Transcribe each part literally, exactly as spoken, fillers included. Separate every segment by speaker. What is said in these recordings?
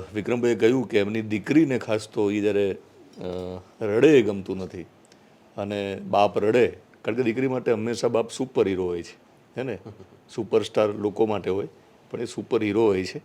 Speaker 1: વિક્રમભાઈએ કહ્યું કે એમની દીકરીને ખાસ તો એ જ્યારે રડે એ ગમતું નથી અને બાપ રડે, કારણ કે દીકરી માટે હંમેશા બાપ સુપર હીરો હોય છે, હે ને? સુપરસ્ટાર લોકો માટે હોય, પણ એ સુપર હીરો હોય છે.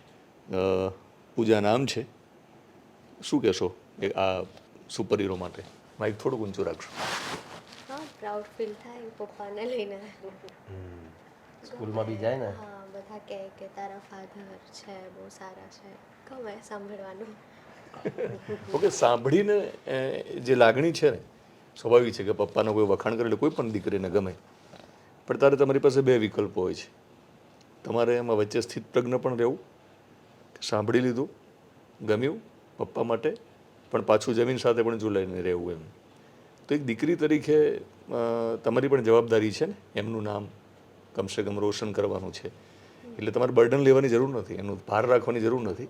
Speaker 1: પૂજા નામ છે. શું કહેશો એ આ સુપર હીરો માટે? માઇક થોડુંક ઊંચું રાખશો.
Speaker 2: હા, પ્રાઉડ ફીલ થાય પપ્પાને લઈને.
Speaker 3: સ્કૂલમાં બી જાય ને,
Speaker 2: હા, બધા કહે કે તારા ફાધર છે બહુ સારા છે, ગમે સાંભળવાનું.
Speaker 1: ઓકે, સાંભળીને જે લાગણી છે ને, સ્વાભાવિક છે કે પપ્પાનો કોઈ વખાણ કરે એટલે કોઈ પણ દીકરીને ગમે. પણ તારે તમારી પાસે બે વિકલ્પો હોય છે. તમારે એમાં વચ્ચે સ્થિત પ્રજ્ઞ પણ રહેવું, સાંભળી લીધું, ગમ્યું પપ્પા માટે, પણ પાછું જમીન સાથે પણ જોડાઈને રહેવું. એમ તો એક દીકરી તરીકે તમારી પણ જવાબદારી છે ને, એમનું નામ કમસે કમ રોશન કરવાનું છે. એટલે તમારે બર્ડન લેવાની જરૂર નથી, એનું ભાર રાખવાની જરૂર નથી.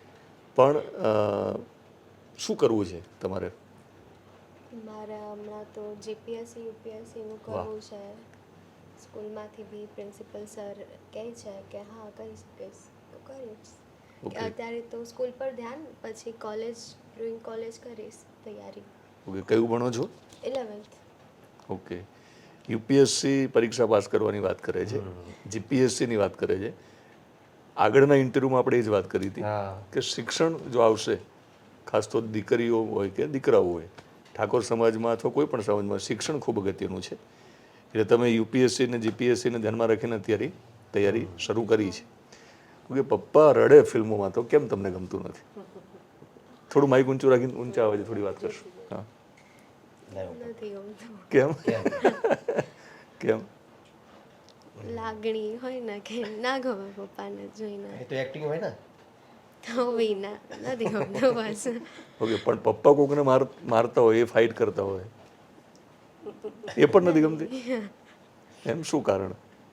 Speaker 1: પણ શું કરવું છે તમારે?
Speaker 2: મારે હમણાં તો જીપીએસસી યુપીએસસીનું કરવું છે. સ્કૂલમાંથી બી પ્રિન્સિપલ સર કહે છે કે હા કરી શકીશ તો કરીશ. અત્યારે તો સ્કૂલ પર ધ્યાન, પછી કોલેજ ડ્રોઈંગ કોલેજ કરીશ તૈયારી.
Speaker 1: ઓકે, કયું ભણો છો?
Speaker 2: ઇલેવન્થ.
Speaker 1: ઓકે, યુપીએસસી પરીક્ષા પાસ કરવાની વાત કરે છે, જીપીએસસીની વાત કરે છે. આગળના ઇન્ટરવ્યૂમાં આપણે એ જ વાત કરી હતી કે શિક્ષણ જો આવશે, ખાસ તો દીકરીઓ હોય કે દીકરાઓ હોય, ઠાકોર સમાજમાં અથવા કોઈ પણ સમાજમાં શિક્ષણ ખૂબ અગત્યનું છે. એટલે તમે યુપીએસસી ને જીપીએસસીને ધ્યાનમાં રાખીને અત્યારે તૈયારી શરૂ કરી છે. કે પપ્પા રડે ફિલ્મોમાં તો કેમ તમને ગમતું નથી? થોડું માઇક ઊંચું રાખીને ઊંચા અવાજે થોડી વાત કરશો. હા,
Speaker 2: નથી ગમતું.
Speaker 1: કેમ? કેમ?
Speaker 2: લાગણી હોય ને કે ના ગમે પપ્પાને જોઈને.
Speaker 3: એ તો એક્ટિંગ હોય ને.
Speaker 2: તો બી ના નથી ગમતું બસ.
Speaker 1: ઓકે, પણ પપ્પા કોકને માર મારતા હોય, એ ફાઇટ કરતા હોય, એ પણ નથી ગમતી? એમ શું કારણ?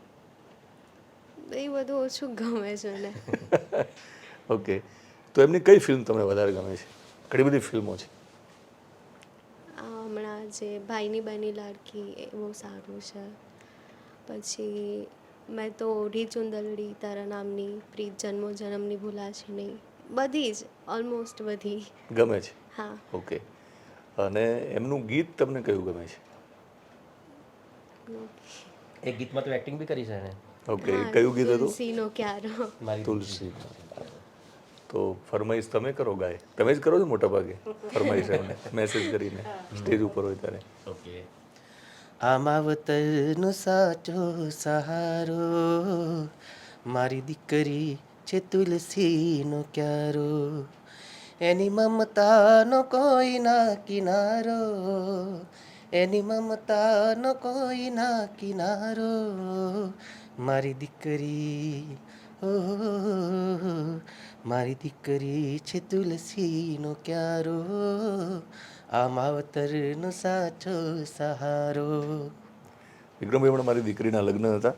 Speaker 2: એ બધું ઓછું ગમે છે ને.
Speaker 1: ઓકે, તો એમની કઈ ફિલ્મ તમને વધારે ગમે છે? ઘણી બધી ફિલ્મો છે.
Speaker 2: હમણાં જે ભાઈની બની લાડકી એ બહુ સારું છે. પછી મેં તો ઓઢી ચુંદલડી તારા નામની, પ્રીત જન્મો જન્મની ભૂલાશે નહીં, બધી જ ઓલમોસ્ટ બધી
Speaker 1: ગમે છે.
Speaker 2: હા.
Speaker 1: ઓકે, અને એમનું ગીત તમને કયું ગમે છે?
Speaker 3: એક ગીતમાં તો એક્ટિંગ બી કરી છે ને.
Speaker 1: ઓકે, કયું ગીત હતું?
Speaker 2: તુલસીનો ક્યારો.
Speaker 1: તુલસી. તો ફરમાઈશ તમે કરો ગાય, તમે જ કરો છો મોટા ભાગે ફરમાઈશ એમને મેસેજ કરીને સ્ટેજ ઉપર હોય ત્યારે.
Speaker 3: ઓકે. આ માવતરનો સાચો સહારો, મારી દીકરી છે તુલસીનો ક્યારો, એની મમતાનો કોઈ ના કિનારો, એની મમતાનો કોઈ ના કિનારો, મારી દીકરી ઓ મારી દીકરી છે તુલસીનો ક્યારો, આ માવતરનો સાચો સહારો.
Speaker 1: વિક્રમભાઈ, હમણાં મારી દીકરીના લગ્ન હતા.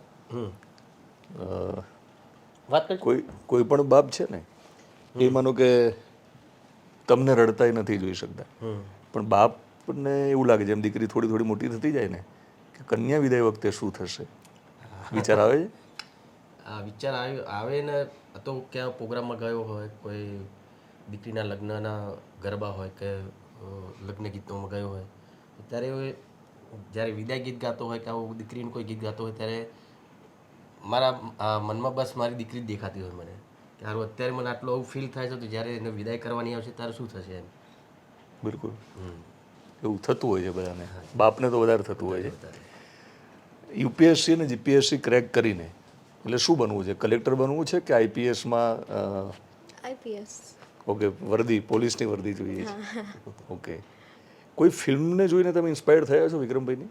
Speaker 3: વાત કરી
Speaker 1: કોઈ કોઈ પણ બાપ છે ને, એ માનો કે તમને રડતાય નથી જોઈ શકતા, પણ બાપને એવું લાગે જેમ દીકરી થોડી થોડી મોટી થતી જાય ને, કે કન્યા વિદાય વખતે શું થશે, વિચાર આવે છે.
Speaker 3: આ વિચાર આવે આવે ને, તો ક્યાં પ્રોગ્રામમાં ગયો હોય, કોઈ દીકરીના લગ્નના ગરબા હોય કે લગ્ન ગીતોમાં ગયો હોય, ત્યારે જ્યારે વિદાય ગીત ગાતો હોય કે આવું દીકરીનું કોઈ ગીત ગાતો હોય, ત્યારે મારા મનમાં બસ મારી દીકરી જ દેખાતી હોય મને, કે સારું અત્યારે મને આટલું આવું ફીલ થાય છે, તો જ્યારે એને વિદાય કરવાની આવશે ત્યારે શું થશે એમ.
Speaker 1: બિલકુલ એવું થતું હોય છે બધાને, બાપને તો વધારે થતું હોય છે. યુપીએસસી અને જીપીએસસી ક્રેક કરીને એટલે શું બનવું છે? કલેક્ટર બનવું છે કે આઈપીએસમાં?
Speaker 2: આઈપીએસ.
Speaker 1: ઓકે, વર્દી પોલીસની વર્દી જોઈએ છે. ઓકે, કોઈ ફિલ્મને જોઈને તમે ઇન્સ્પાયર્ડ થયા છો વિક્રમભાઈની?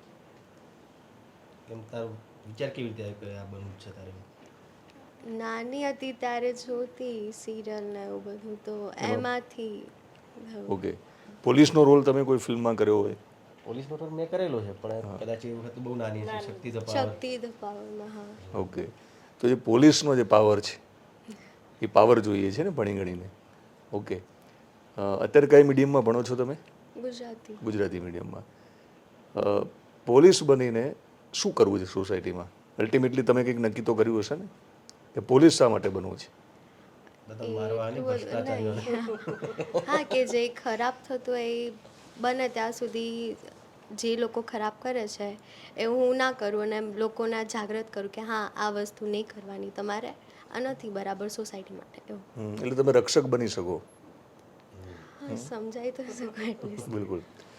Speaker 3: કેમ તારો વિચાર કેવી રીતે આવ્યો કે આ બનવું છે તારે?
Speaker 2: નાની હતી ત્યારે જોતી સિરિયલ ને એવું બધું, તો એમાંથી.
Speaker 1: ઓકે, પોલીસનો રોલ તમે કોઈ ફિલ્મમાં કર્યો હોય?
Speaker 3: પોલીસનો રોલ મેં કરેલો છે, પણ કદાચ એ વખત બહુ નાની છે. Shakti the power.
Speaker 2: Shakti the પાવરમાં. હા.
Speaker 1: ઓકે, તો જે પોલીસનો જે પાવર છે, એ પાવર જોઈએ છે ને ભણી ગણીને. ઓકે, અત્યારે કઈ મીડિયમમાં ભણો છો તમે?
Speaker 2: ગુજરાતી.
Speaker 1: ગુજરાતી મીડિયમમાં. પોલીસ બનીને શું કરવું છે સોસાયટીમાં? અલ્ટિમેટલી તમે કંઈક નક્કી તો કર્યું હશે ને કે પોલીસ શા માટે બનવું છે?
Speaker 3: દાદા મારવા નહીં,
Speaker 2: એટલું બધું
Speaker 3: ભ્રષ્ટાચારીઓને.
Speaker 2: નહીં. હા, કે જે ખરાબ થતું હોય એ બને ત્યાં સુધી જે લોકો ખરાબ કરે છે એ હું ના કરું અને લોકોને જાગૃત કરું કે હા આ વસ્તુ નહીં કરવાની તમારે, આ નથી બરાબર સોસાયટી માટે એવું.
Speaker 1: હમ, એટલે તમે રક્ષક બની શકો.
Speaker 2: હા, સમજાય તો શકો એટલીસ્ટ.
Speaker 1: બિલકુલ.